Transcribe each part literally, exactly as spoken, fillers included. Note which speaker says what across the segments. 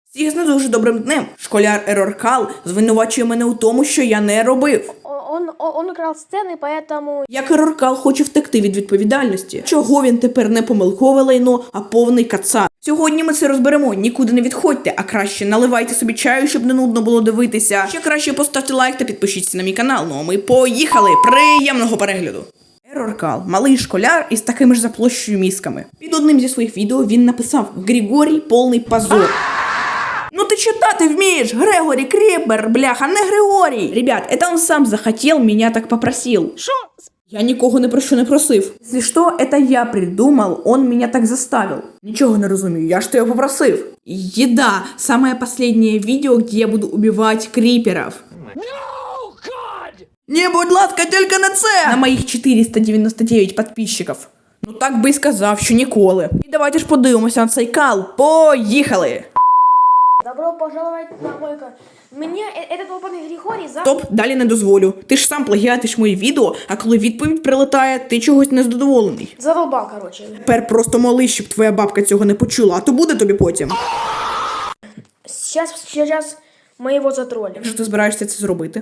Speaker 1: Всіх з не дуже добрим днем. Школяр Ероркал звинувачує мене у тому, що я не робив.
Speaker 2: Он, он, он украл сцены, поэтому...
Speaker 1: Як Ероркал хоче втекти від відповідальності. Чого він тепер не помилкове лайно, а повний кацап. Сьогодні ми це розберемо. Нікуди не відходьте, а краще наливайте собі чаю, щоб не нудно було дивитися. Ще краще поставте лайк та підпишіться на мій канал. Ну а ми поїхали! Приємного перегляду! Ероркал – малий школяр із такими ж за площею мізками. Під одним зі своїх відео він написав «Григорій – повний позор». Ну ты читати вмієш, Грегорі Кріпер, бляха, не Григорій. Ребят, это он сам захотел, меня так попросил.
Speaker 2: Шо?
Speaker 1: Я нікого не про що не просив. Если что, это я придумал, он меня так заставил. Нічого не розумію, я ж тебе попросив. Еда, самое последнее видео, где я буду убивать криперов.
Speaker 3: No, God!
Speaker 1: Не, будь ласка, тільки на це! На моїх чотириста дев'яносто дев'ять підписчиків. Ну так би й сказав, що ніколи. І давайте ж подивимося на цей кал. Поїхали!
Speaker 2: Добро пожаловать на мой канал. Мне э- этот опытный Григорий за...
Speaker 1: Стоп, далі не дозволю. Ти ж сам плагіатиш мої відео, а коли відповідь прилетає, ти чогось незадоволений.
Speaker 2: Задолбал, короче.
Speaker 1: Тепер просто молись, щоб твоя бабка цього не почула, а то буде тобі потім.
Speaker 2: Сейчас, сейчас мы его затроллим.
Speaker 1: Як же ти збираєшся це зробити?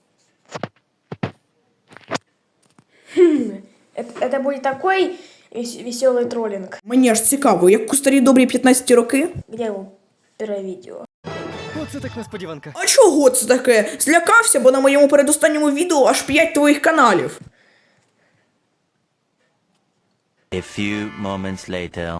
Speaker 2: Это, это будет такой веселый троллинг.
Speaker 1: Мені аж цікаво, як у старі добрі п'ятнадцяті роки?
Speaker 2: Где его первое видео?
Speaker 3: Оце так несподіванка.
Speaker 1: А чого це таке? Злякався, бо на моєму передостанньому відео аж п'ять твоїх каналів.
Speaker 4: A few moments later.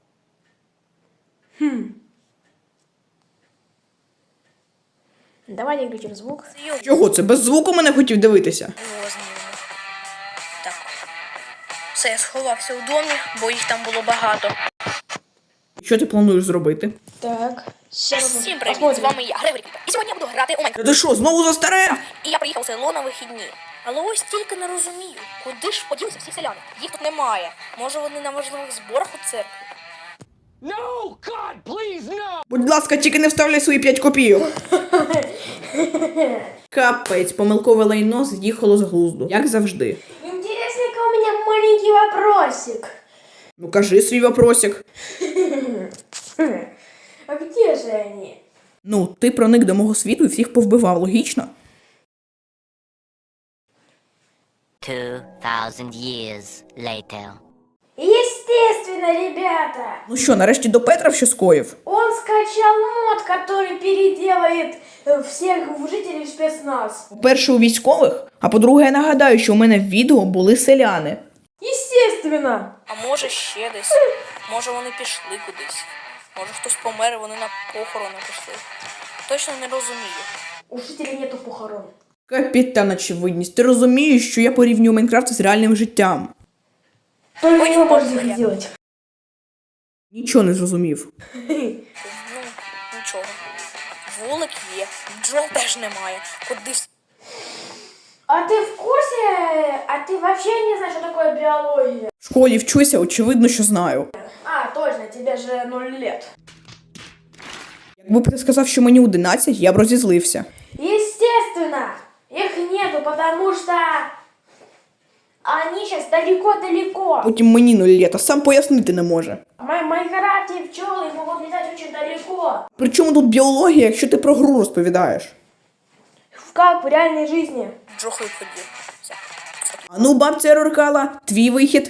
Speaker 2: Давайте включим звук.
Speaker 1: Чого це? Без звуку мене хотів дивитися?
Speaker 5: Його знімемо. Так. Все, я сховався у домі, бо їх там було багато.
Speaker 1: Що ти плануєш зробити?
Speaker 2: Так. Сейчас
Speaker 5: Всім привіт, з
Speaker 2: посмотрим.
Speaker 5: вами я, Грегорі Кріпер. І сьогодні я буду грати у Майнкрафт.
Speaker 1: Та ти що, знову за старе?
Speaker 5: І я приїхав у село на вихідні. Але ось тільки не розумію, куди ж поділися всі селяни? Їх тут немає. Може вони на важливих зборах у церкві?
Speaker 3: No, God, please, no!
Speaker 1: Будь ласка, тільки не вставляй свої п'ять копійок. Капець, помилкове лайно з'їхало з глузду. Як завжди.
Speaker 2: Интересненько, у меня маленький вопросик.
Speaker 1: Ну кажи свій вопросик.
Speaker 2: А где же они?
Speaker 1: Ну, ти проник до мого світу і всіх повбивав, логічно?
Speaker 6: Two thousand years later.
Speaker 2: Естественно, ребята.
Speaker 1: Ну що, нарешті до Петра що скоїв?
Speaker 2: Он скачал мод, который переделает э, всех жителей в спецназ.
Speaker 1: По-перше, у військових, а по-друге, я нагадаю, що у мене в відео були селяни.
Speaker 2: Естественно.
Speaker 5: А може ще десь? Може вони пішли кудись? Може хтось помер і вони на похорони пішли? Точно не розумію.
Speaker 2: У жителей нету похорон.
Speaker 1: Капітан очевидність, ти розумієш, що я порівнюю Майнкрафт з реальним життям?
Speaker 2: Только
Speaker 5: Ой,
Speaker 2: его
Speaker 5: боже,
Speaker 2: можно
Speaker 5: я-
Speaker 2: сделать.
Speaker 1: Нічого не зрозумів.
Speaker 5: Ну, нічого. Вулик є, бджол теж немає. Кудись.
Speaker 2: А ты в курсе? А ты вообще не знаешь, что такое биология?
Speaker 1: В школі вчуся, очевидно, що знаю.
Speaker 2: А, точно, тебе же ноль лет.
Speaker 1: Якби б ти сказав, що мені одинадцять, я б розізлився.
Speaker 2: Естественно, их нету, потому что они сейчас далеко-далеко.
Speaker 1: Потім мені нуль літ, а сам пояснити не може.
Speaker 2: В Май- Майнкрафте пчелы могут летать очень далеко.
Speaker 1: Причому тут біологія, якщо ти про гру розповідаєш?
Speaker 2: В- Как в реальной жизни.
Speaker 5: Бджохли ходів. Все.
Speaker 1: А ну, бабця Ероркала, твій вихід.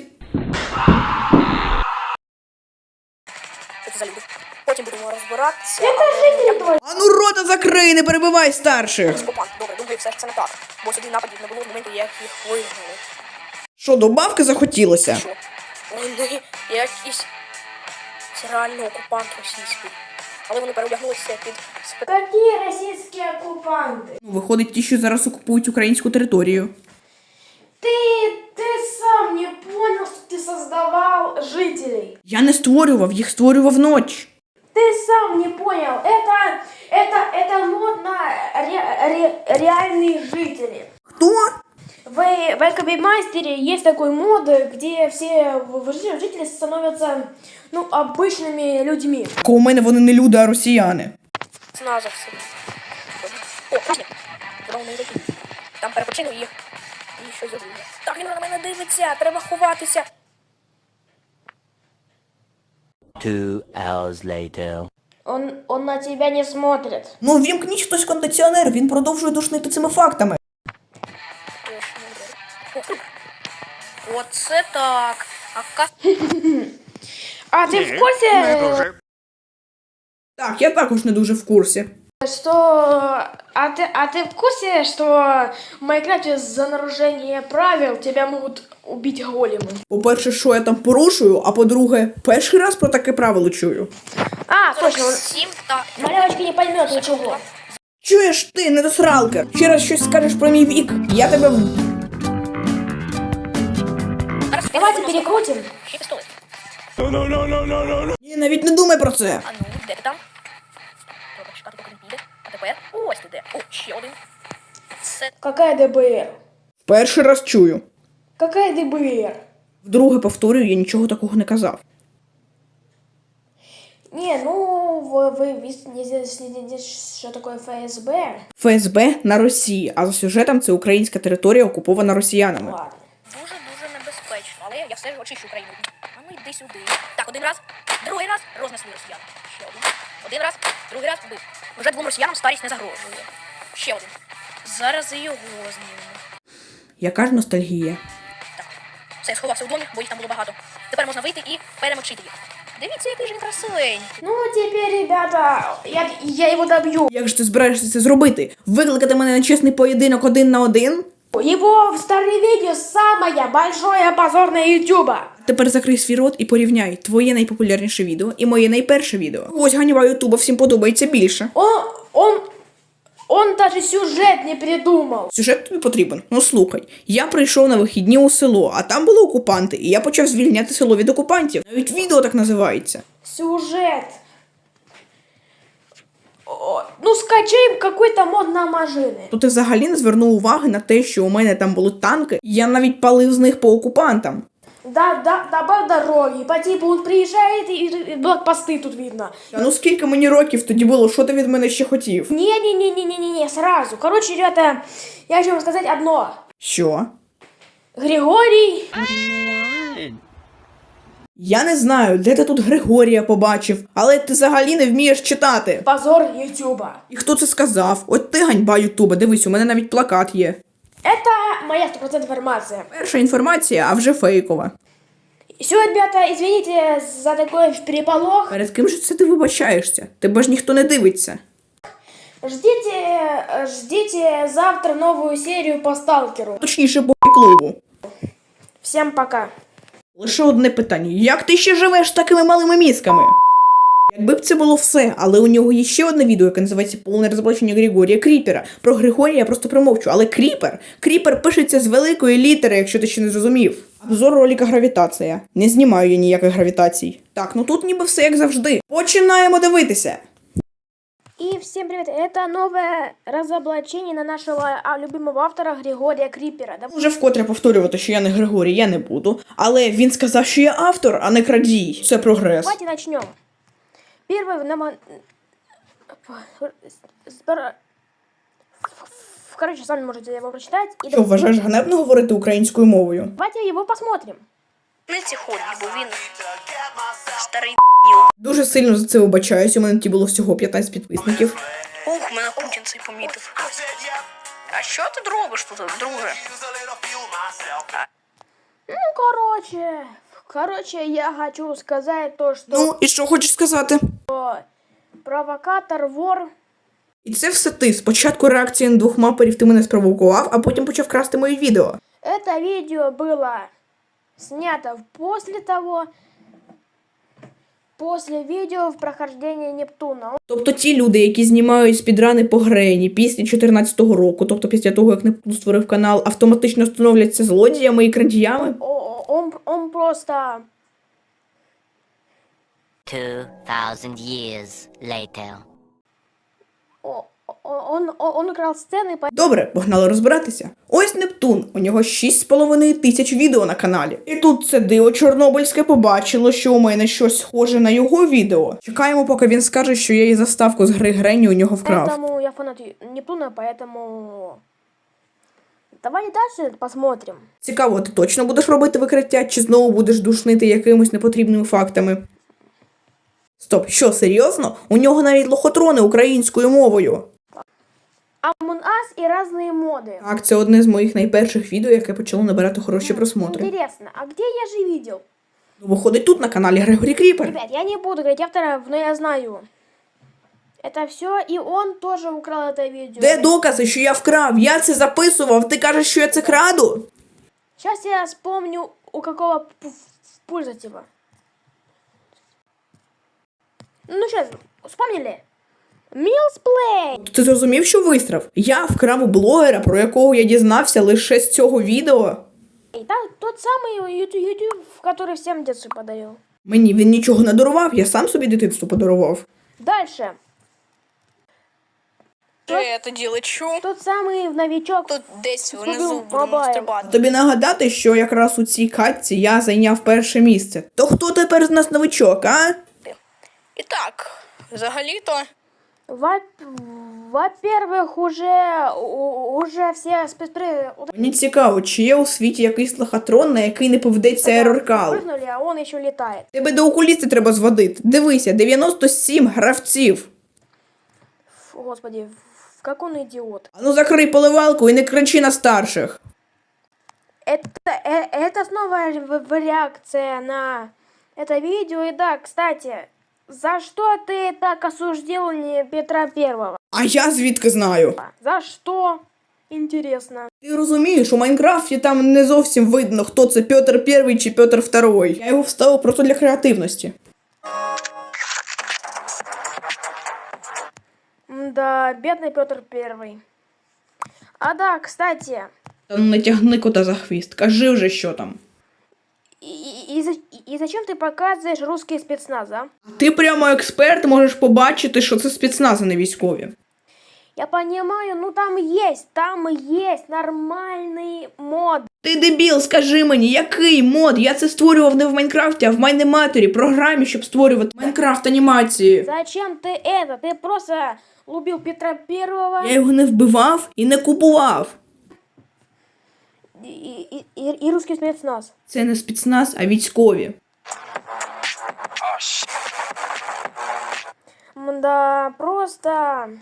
Speaker 5: Що це за люди? Потім будемо розбиратися.
Speaker 2: Это жители твои.
Speaker 1: А ну рота закрий, не перебивай старших.
Speaker 5: Скопант, добре, думаю, все ж це не так. Бо сюди нападів не було в момент, як їх вигнали.
Speaker 1: Що, до бабки захотілося?
Speaker 5: Що? Вони якісь... Це реально окупант російський. Але вони переодягнулися під спе...
Speaker 2: Какие российские оккупанты?
Speaker 1: Ну, виходить, ті, що зараз окупують українську територію.
Speaker 2: Ты, ты сам не понял, что ты создавал жителей.
Speaker 1: Я не створював, їх створював ноч.
Speaker 2: Ты сам не понял. Это, это, это мод на ре- ре- реальные жители.
Speaker 1: Хто?
Speaker 2: В, в Экобимастере есть такой мод, где все в- в- жители становятся, ну, обычными людьми.
Speaker 1: Ко у мене вони не люди, а росіяни.
Speaker 5: Ціна за все. О, класні. Здорово, не такі. Там перепочину їх. І щось зробили. Так, він на мене дивиться, треба ховатися.
Speaker 4: Two hours later.
Speaker 2: Он, он на тебя не смотрит.
Speaker 1: Ну, вімкніть хтось кондиціонер, він продовжує душнити цими фактами.
Speaker 5: Оце так. А ка...
Speaker 2: А ты в курсе,
Speaker 1: Так, я також не дуже в курсі.
Speaker 2: что... А ты, а ты в курсе, что в Майнкрафте за нарушение правил тебя могут убить големы?
Speaker 1: По-перше, що я там порушую, а по-друге, перший раз про таке правило чую.
Speaker 2: А, точно, он-
Speaker 5: Сім та...
Speaker 2: малявочка не поймет ничего.
Speaker 1: Чуєш ти, недосралка? Ще раз щось скажеш про мій вік, я тебе...
Speaker 2: Давайте перекрутим.
Speaker 5: Ще пістолет.
Speaker 1: Ні, навіть не думай про це.
Speaker 5: А ну, де ти там? Треба чекати, поки він піде. А тепер ось ти де. О, ще один. Це...
Speaker 2: Какая ДБР?
Speaker 1: Перший раз чую.
Speaker 2: Какая ДБР?
Speaker 1: Вдруге повторюю, я нічого такого не казав.
Speaker 2: Не, ну, вы, вы вис- не зна- следите, что такое ФСБ.
Speaker 1: ФСБ на Росії, а за сюжетом це українська територія, окупована росіянами.
Speaker 2: Ладно.
Speaker 5: Дуже-дуже небезпечно, але я все ж очищу Україну. А ну йди сюди. Так, один раз, другий раз рознесли росіян. Ще один. Один раз, другий раз вбив. Уже двом росіянам старість не загрожує. Ще один. Зараз і його знімемо.
Speaker 1: Яка ж ностальгія.
Speaker 5: Так, все, сховався у домі, бо їх там було багато. Тепер можна вийти і перемочити їх. Дивіться, який ж він красивий.
Speaker 2: Ну, теперь, ребята, я, я его добью.
Speaker 1: Як ж ти збираєшся це зробити? Викликати мене на чесний поєдинок один на один?
Speaker 2: Его в старые видео самое большое позор на Ютуба.
Speaker 1: Тепер закрий свій рот і порівняй твоє найпопулярніше відео і моє найперше відео. Ось ганьба Ютуба всім подобається більше.
Speaker 2: Он, он, он даже сюжет не придумал.
Speaker 1: Сюжет тобі потрібен? Ну слухай, я прийшов на вихідні у село, а там були окупанти, і я почав звільняти село від окупантів. Навіть відео так називається.
Speaker 2: Сюжет. О, ну, скачай какой-то мод на машины.
Speaker 1: То ти взагалі не звернув уваги на те, що у мене там були танки, і я навіть палив з них по окупантам.
Speaker 2: Да, да, добавь дороги. По типу он приезжает и, и блокпосты тут видно.
Speaker 1: Та ну скільки мені років тоді було, що ти від мене ще хотів?
Speaker 2: Не-не-не-не-не-не, сразу. Короче, ребята, я хочу вам сказать одно.
Speaker 1: Що?
Speaker 2: Григорий...
Speaker 1: Я не знаю, де ти тут Григорія побачив, але ти взагалі не вмієш читати.
Speaker 2: Позор Ютуба.
Speaker 1: І хто це сказав? От ти ганьба Ютуба, дивись, у мене навіть плакат є.
Speaker 2: Это моя стопроцентная информация.
Speaker 1: Перша інформація, а вже фейкова.
Speaker 2: Все, ребята, извините за такой переполох.
Speaker 1: Перед ким же це ти вибачаєшся? Тебе ж ніхто не дивиться.
Speaker 2: Ждите, ждите завтра новую серию по Сталкеру.
Speaker 1: Точніше, по клубу.
Speaker 2: Всем пока.
Speaker 1: Лише одне питання. Як ти ще живеш з такими малими мізками? Якби б це було все, але у нього є ще одне відео, яке називається «Повне розоблачення Григорія Кріпера». Про Григорія я просто промовчу, але Кріпер? Кріпер пишеться з великої літери, якщо ти ще не зрозумів. Обзор ролика «Гравітація». Не знімаю я ніяких гравітацій. Так, ну тут ніби все як завжди. Починаємо дивитися.
Speaker 2: И всем привет, это новое разоблачение на нашего а, любимого автора Григория Крипера. Да,
Speaker 1: Уже вкотре повторювати, що я не Григорій, я не буду. Але він сказав, що я автор, а не крадій. Це прогрес.
Speaker 2: давайте начнем. Первый нам... Короче, сами можете его прочитать. И
Speaker 1: Що, вважаєш ганебно говорити українською мовою?
Speaker 2: давайте его посмотрим.
Speaker 5: Не ці ході, бо він старий.
Speaker 1: Дуже сильно за це вибачаюсь, у мене тоді було всього п'ятнадцять підписників.
Speaker 5: Ух, мене Путін цей помітив. А що ти робиш тут, друже?
Speaker 2: Ну, короче... Короче, я хочу сказать то, что
Speaker 1: Ну, і що хочеш сказати?
Speaker 2: провокатор, вор...
Speaker 1: І це все ти. Спочатку реакція на двох маперів ти мене спровокував, а потім почав красти мої відео.
Speaker 2: Это видео было снято после того, после видео в прохождении Нептуна.
Speaker 1: Тобто ті люди, які знімають спідрани по Грені після чотирнадцятого року, тобто після того, як Нептун створив канал, автоматично становляться злодіями і крадіями?
Speaker 2: О- Он, он просто...
Speaker 6: Two thousand years later.
Speaker 2: о- Он, он украл сцены, по-
Speaker 1: Добре, погнали розбиратися. Ось Нептун, у нього шість з половиною тисяч відео на каналі. І тут це диво чорнобильське побачило, що у мене щось схоже на його відео. Чекаємо, поки він скаже, що я її заставку з гри Гренні у нього вкрав.
Speaker 2: Поэтому я фанат Нептуна, поэтому... Давайте дальше посмотрим.
Speaker 1: Цікаво, ти точно будеш робити викриття, чи знову будеш душнити якимось непотрібними фактами? Стоп, що, серйозно? У нього навіть лохотрони українською мовою.
Speaker 2: Among Us и разные моды.
Speaker 1: Так, це одне з моїх найперших відео, яке почало набирати хороші просмотри.
Speaker 2: Интересно, а где я же видел?
Speaker 1: Ну, виходить тут на каналі Грегорі Кріпер.
Speaker 2: Ребят, я не буду говорить авторов, но я знаю. Это все, и он тоже украл это видео.
Speaker 1: Де докази, що я вкрав? Я це записував, ти кажеш, що я це краду?
Speaker 2: Сейчас я вспомню, у какого п- пользователя. Ну сейчас, вспомнили? Милсплей.
Speaker 1: Ти зрозумів, що вистрав? Я вкрав у блогера, про якого я дізнався лише з цього відео.
Speaker 2: Да, тот самый YouTube, YouTube, который всем детство подарил.
Speaker 1: Мені він нічого не дарував, я сам собі дитинство подарував.
Speaker 2: Дальше.
Speaker 7: Е, тоді лечу.
Speaker 2: Тот самый новичок.
Speaker 7: Тут десь
Speaker 2: Тут
Speaker 7: внизу
Speaker 2: мобайл.
Speaker 7: будемо стрибати.
Speaker 1: Тобі нагадати, що якраз у цій катці я зайняв перше місце. То хто тепер з нас новичок, а?
Speaker 7: І так, взагалі-то,
Speaker 2: Во- Во-первых, уже, у- уже все спецпри...
Speaker 1: Мені цікаво, чи є у світі якийсь лохотрон, на який не поведеться ероркал.
Speaker 2: Прыгнули, а он еще летает.
Speaker 1: Тебе до окуліста треба зводити. Дивися, дев'яносто сім гравців.
Speaker 2: Фу, господи, в- как он идиот.
Speaker 1: Ану закрий поливалку і не кричи на старших.
Speaker 2: Это, э- это снова в- в- реакция на это видео. И да, кстати, за что ты так осуждил не Петра Первого?
Speaker 1: А я звідки знаю?
Speaker 2: За что? Интересно.
Speaker 1: Ти розумієш, у Майнкрафті там не зовсім видно, хто це Петр Перший чи Петр Второй. Я його вставив просто для креативності.
Speaker 2: Да, бедный Петр Первый. А да, кстати,
Speaker 1: Та ну не тягни кота за хвіст, кажи вже, що там.
Speaker 2: и, и, и за- и зачем ты показываешь русский спецназ, а?
Speaker 1: Ти прямо експерт, можеш побачити, що це спецназ, а не військові.
Speaker 2: Я понимаю, ну там есть, там есть нормальный мод.
Speaker 1: Ти дебіл, скажи мені, який мод? Я це створював не в Майнкрафті, а в Майнематері, програмі, щоб створювати Майнкрафт анімації.
Speaker 2: Зачем ты это? Ты просто любил Петра Первого
Speaker 1: Я його не вбивав і не купував.
Speaker 2: и, и, и, и русский спецназ.
Speaker 1: Це не спецназ, а військові.
Speaker 2: Да, просто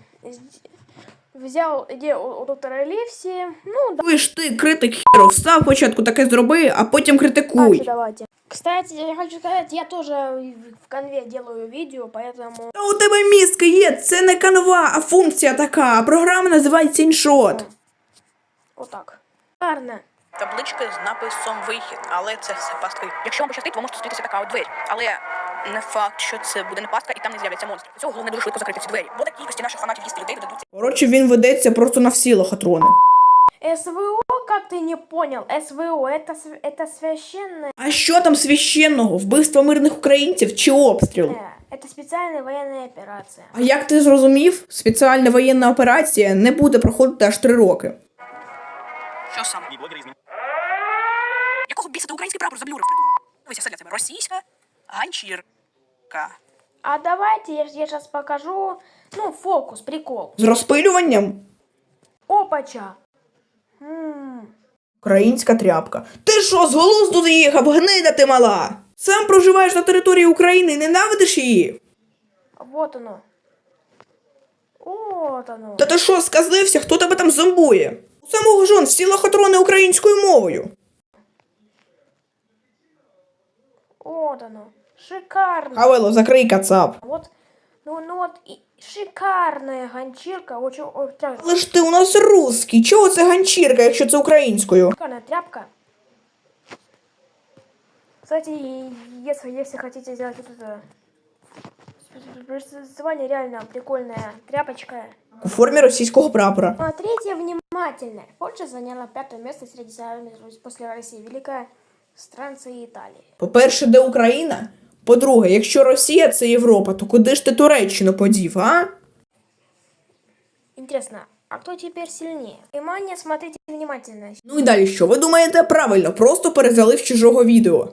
Speaker 2: взял идею у, у доктора Ливси. Ну, да,
Speaker 1: Ви ж ти, критик хіро, встав спочатку таке зроби, а потім
Speaker 2: дальше
Speaker 1: критикуй.
Speaker 2: давайте. Кстати, я хочу сказать, я тоже в конве делаю видео, поэтому...
Speaker 1: Та у тебе мізки є, це не канва, а функція така, а програма називається іншот.
Speaker 2: Вот так. Гарно.
Speaker 7: таблички з написом вихід, але це все пастки. Якщо вам пощастить, ви можете зустрітися така от двері. Але не факт, що це буде не пастка і там не з'являться монстри. Для цього головне дуже швидко закрити ці двері. Бо такі кількості наших фанатів їсти людей додадуться.
Speaker 1: Коротше, він ведеться просто на всі лохотрони.
Speaker 2: СВО, как ты не понял? СВО, это, св- это священное...
Speaker 1: А що там священного? Вбивство мирних українців чи обстріл?
Speaker 2: Это специальная военная операция.
Speaker 1: А як ти зрозумів, спеціальна воєнна операція не буде проходити аж три роки.
Speaker 7: Що саме? Якого біса ти український прапор заблюрив? Дивися, все для тебе. Російська ганчірка.
Speaker 2: А давайте я, я сейчас покажу, ну, фокус, прикол.
Speaker 1: З розпилюванням?
Speaker 2: Опача. М.
Speaker 1: Українська тряпка. Ти що, з глузду з'їхав, гнида ти мала? Сам проживаєш на території України і ненавидиш її?
Speaker 2: Вот оно. Вот оно.
Speaker 1: Та ти що, сказився, хто тебе там зомбує? У самого жон всі лохотрони українською мовою.
Speaker 2: Вот оно. Шикарно.
Speaker 1: Хавело, закрий кацап.
Speaker 2: Вот, ну, ну вот, и шикарная ганчірка, очень, ой, тря-
Speaker 1: Але ж ти у нас русський, чого це ганчірка, якщо це українською?
Speaker 2: шикарная тряпка. Кстати, если, если хотите сделать вот это название, реально прикольная тряпочка.
Speaker 1: У формі російського прапора.
Speaker 2: Смотрите внимательно. Польша заняла пятое место среди стран после России. Великая странца и Италии.
Speaker 1: По-перше, де Україна? По-друге, якщо Росія – це Європа, то куди ж ти Туреччину подів, а?
Speaker 2: Интересно, а кто теперь сильнее? Внимание, смотрите внимательно.
Speaker 1: Ну і далі що? Ви думаєте правильно, просто перезалив чужого відео.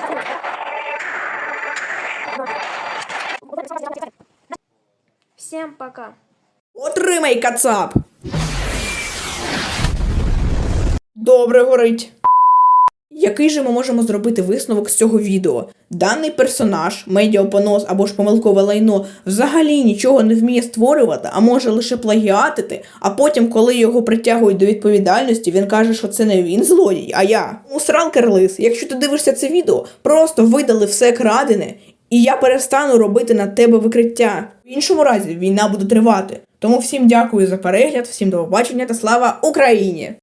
Speaker 2: Всем пока.
Speaker 1: Отримай, кацап! Добре горить. Який же ми можемо зробити висновок з цього відео? Даний персонаж, медіапонос або ж помилкове лайно, взагалі нічого не вміє створювати, а може лише плагіатити, а потім, коли його притягують до відповідальності, він каже, що це не він злодій, а я. Усралкер лис, якщо ти дивишся це відео, просто видали все крадене, і я перестану робити на тебе викриття. В іншому разі війна буде тривати. Тому всім дякую за перегляд, всім до побачення та слава Україні!